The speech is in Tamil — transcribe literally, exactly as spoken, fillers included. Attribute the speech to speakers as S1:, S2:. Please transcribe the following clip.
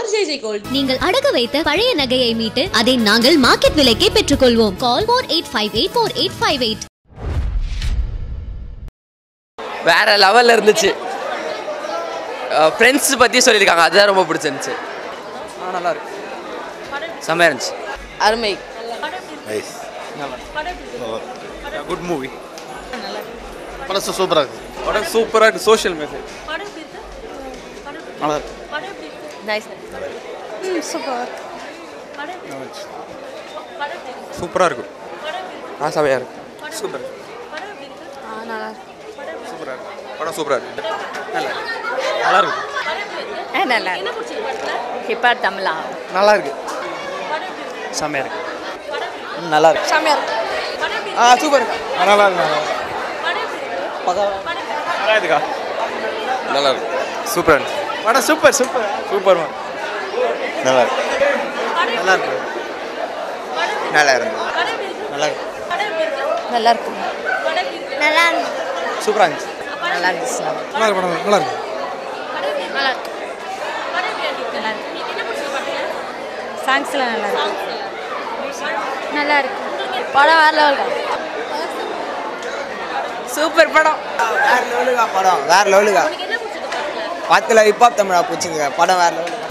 S1: For JJ gold.
S2: நீங்கள் அடகு வைத்த பழைய நகையை மீட்டு அதை நாங்கள் மார்க்கெட் விலைக்கே பெற்றுக்கொள்வோம். கால் four eight five eight four eight five eight.
S3: வேற லெவல்ல இருந்துச்சு. ஃப்ரெண்ட்ஸ் பத்தி சொல்லியிருக்காங்க, அதுதான் ரொம்ப பிடிச்சிருந்துச்சு. ஆ நல்லா இருக்கு, செம்மையா இருந்துச்சு.
S1: அருமை.
S4: Nice, good movie. படம் சூப்பரா இருக்கு. படம் சூப்பரா இருக்கு. சோஷியல் மெசேஜ் நல்லா இருக்கு.
S1: நைஸ். ம் சூப்பர்.
S4: சூப்பரா இருக்கு.
S3: ஆ செம்மையா இருக்கு.
S4: சூப்பர்.
S1: ஆ நல்லா இருக்கு.
S4: சூப்பரா இருக்கு. படம் சூப்பரா இருக்கு. நல்லா நல்லா இருக்கு.
S1: ஏ நல்லா இருக்கு. என்ன பிடிச்சது படத்துல? ஹிப்பார் தமிழா.
S4: நல்லா இருக்கு. செம்மையா இருக்கு. நல்லா இருக்கு.
S1: செம்மையா இருக்கு.
S4: ஆ சூப்பர். நல்லா இருக்கு. நல்லா இருக்குக்கா. நல்லா இருக்கு. சூப்பரா இருக்கு. படம் சூப்பர் சூப்பர் சூப்பர். நல்லா இருக்கு. நல்லா இருக்கு. நல்லா இருக்கு. நல்லா இருக்கு.
S1: நல்லா இருக்கு. நல்லா இருக்கு.
S4: சூப்பரா இருந்துச்சு.
S1: நல்லா இருந்துச்சு.
S4: நல்லா இருக்கு. படம் நல்லா இருக்கு.
S1: நல்லா இருக்கு. நல்லா இருக்கு. என்ன பிடிச்சது படத்துல? சாங்ஸ்லாம் நல்லா இருக்கு. நல்லா இருக்கு. படம் வேற லெவல். சூப்பர் படம்.
S5: வேற லெவலுக்கா படம். வேற லெவலுக்கா
S1: என்ன பிடிச்சது படத்துல?
S5: பத்துல ஹிப்ஹாப் தமிழா போச்சுங்க. படம் வேற லெவலுக்கு.